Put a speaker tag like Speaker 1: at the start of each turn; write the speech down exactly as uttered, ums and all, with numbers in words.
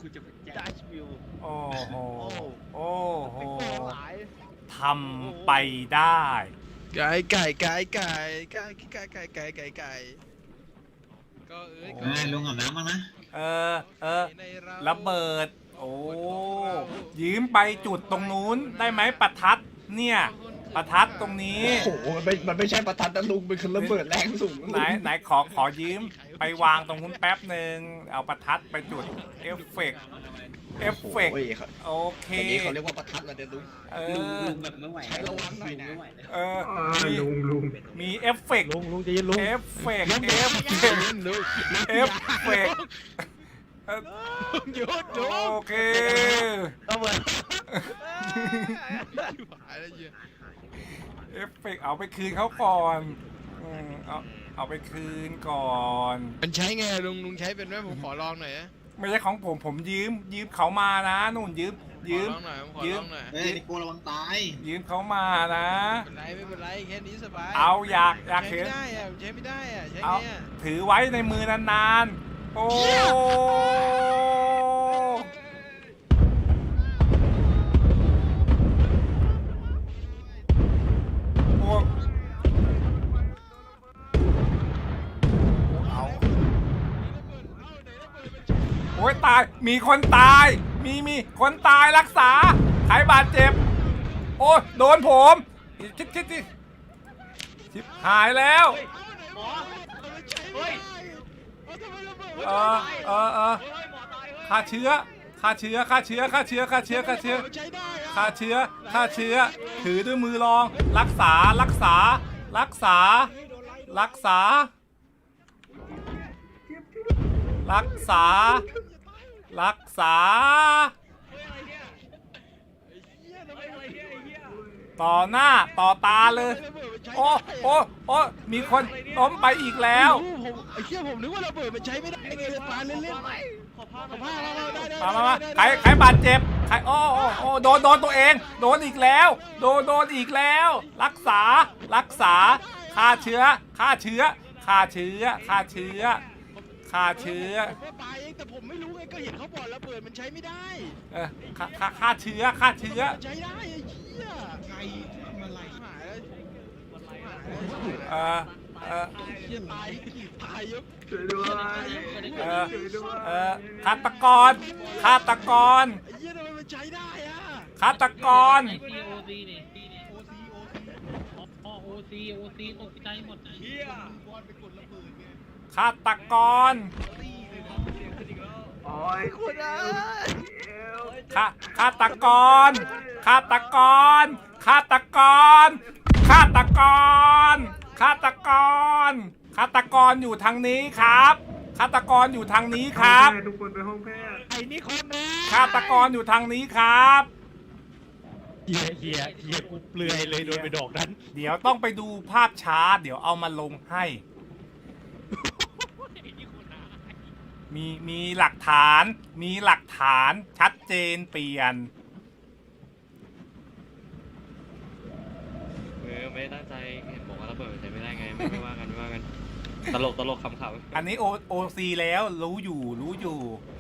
Speaker 1: คุณจะเป็นดัชวิว
Speaker 2: โอ้โหโอ้โห
Speaker 1: หลาย
Speaker 2: ทำไปได้
Speaker 3: ไก่ไก่ไก่ไก่ไก่ไก่ไก่ไก่ไก่ไก่ก็เอ้ย
Speaker 4: เอ้ยลงอาบน้ำมานะ
Speaker 2: เออเออระเบิดโอ้ยืมไปจุดตรงนู้นได้ไหมประทัดเนี่ยประทัดตรงนี้
Speaker 5: โอ้โหมันไม่มันไม่ใช่ประทัดนะลุงเป็นคือระเบิดแรงสูง
Speaker 2: ไหนไหนขอขอยืมไปวางตรงนู้นแป๊บหนึ่งเอาประทัดไปจุดเอฟเฟกต์เอฟเฟกต์
Speaker 5: โอ้ยครับ
Speaker 2: โอเค
Speaker 5: อันนี้เขาเรียกว่าประทัดนะเดี๋ยวลุง
Speaker 2: เอ
Speaker 4: ลุง
Speaker 2: อ
Speaker 4: ลุงแบบไม่ไหว
Speaker 5: ใช้ระวังหน่อยนะ
Speaker 4: ไม่ไหวเลย
Speaker 2: เออ
Speaker 6: อ่า
Speaker 2: มี
Speaker 6: ลุงลุง
Speaker 2: มีเอฟเฟกต์
Speaker 6: ลุงลุงใจะยินลุง
Speaker 2: เอฟเฟกต์เอฟเฟกต์
Speaker 3: ลุง
Speaker 2: เอฟเฟกต์เออ
Speaker 3: หยุดหยุด
Speaker 2: โอเค
Speaker 1: เอาเหมือน
Speaker 3: หายแล้วเหี้ย
Speaker 2: เอฟเฟกต์เอาไปคืนเขาก่อนอืมเอาเอาไปคืนก่อน
Speaker 3: มันใช้ไงลุงลุงใช้เป็นไหมผมขอลองหน่อยนะ
Speaker 2: ไม่ใช่ของผมผมยืมยืมเขามานะนู่นยืม
Speaker 3: ขอ
Speaker 2: ยืม
Speaker 3: ลองหน่อยผมขอ
Speaker 2: ยื
Speaker 3: ล
Speaker 2: ม
Speaker 3: องหน่อย
Speaker 4: เฮ้ยนี่กูระวังตาย
Speaker 2: ยืมเขามานะ
Speaker 3: ไม่เป็นไรไม่เป็นไรแค่นี้สบาย
Speaker 2: เอาอยากอยาก
Speaker 3: ใช้
Speaker 2: เห็น
Speaker 3: ไม่ได้อะใช้ไม่ได้อะใช้
Speaker 2: เอา
Speaker 3: ไงอะ
Speaker 2: ถือไว้ในมือนานๆ โอ้โอ้เอาโอ้ยตาย มีคนตาย มีมีคนตายรักษาใครบาดเจ็บ โอ้ยโดนผมชิบชิบชิบชิบหายแล้ว
Speaker 1: หมอเฮ้ย
Speaker 2: เออเออเออฆ่าเชื้อฆ่าเชื้อฆ่าเชื้อฆ่าเชื้อฆ่าเชื้อฆ่าเชื้อ
Speaker 3: ใช้ได้อะ
Speaker 2: ฆ่าเชื้อฆ่าเชื้อ ถือด้วยมือรอง รักษา รักษา รักษา รักษา รักษา รักษา ต่อหน้า ต่อตาเลย โอ้โอ้โอ้มีคนล้มไปอีกแล้ว
Speaker 3: ไม่รู้ผมไอ้เหี้ยผมนึกว่าระเบิดมันใช้ไม่ได้ไงเลยปาเล่นเล่น
Speaker 1: ขอผ้า
Speaker 3: ขอผ้าเราเราได้ได้
Speaker 2: มามามา
Speaker 3: ได้
Speaker 2: ใคร
Speaker 3: ได้
Speaker 2: ใครบาดเจ็บ ใคร โอ้โอ้โอ้โดน โดนตัวเอง โดนอีกแล้ว โดน โดนอีกแล้ว รักษา รักษา ฆ่าเชื้อ ฆ่าเชื้อ ฆ่าเชื้อ ฆ่าเชื้อ ฆ่าเชื้อ
Speaker 3: ผมก็ปาเองแต่ผมไม่รู้ไงก็เห็นเขาบอกระเบิดมันใช้ไม่ได้
Speaker 2: เออฆ่าฆ่าฆ่าเชื้อ ฆ่าเชื้อ
Speaker 3: มันใช้ได้ไอ้เหี้ยไงมันไหลหายแล้ว
Speaker 2: เออเออ
Speaker 3: เหี้ยตายตายยก
Speaker 6: ช่วยด้วย
Speaker 2: เออ
Speaker 6: ช่วยด้วย
Speaker 2: เออฆาตกร ฆาตกร
Speaker 3: ไอ้เหี้ยทำไมมันใช้ได้อะ
Speaker 2: ฆาตกร
Speaker 7: ไอซีโอซีนี่โอซีโอซีอ๋อโอซีโอซีตกใจหมด
Speaker 1: เฮีย
Speaker 2: ฆาตกร
Speaker 6: โอ้ยคุณอ่ะ
Speaker 2: ฆาฆาตกร ฆาตกร ฆาตกร ฆาตกร ฆาตกร ฆาตกรอยู่ทางนี้ครับ ฆาตกรอยู่ทางนี้ครับ
Speaker 6: ทุกคนไปห้องแพทย์
Speaker 3: ไอ้นี่คนนะ
Speaker 2: ฆาตกรอยู่ทางนี้ครับ
Speaker 6: เฮียเฮียเฮียกูเปลือยเลยโดนไปดอกนั้น
Speaker 2: เดี๋ยวต้องไปดูภาพช้า เดี๋ยวเอามาลงให้ มีมีหลักฐาน มีหลักฐานชัดเจนเปลี่ยน
Speaker 8: เออไม่ได้ตั้งใจเห็นบอกว่าระเบิดมันใช้ไม่ได้ไงไม่ไม่ว่ากันไม่ว่ากันตลกตลกขำๆ
Speaker 2: อันนี้โอโอซีแล้วรู้อยู่รู้อยู่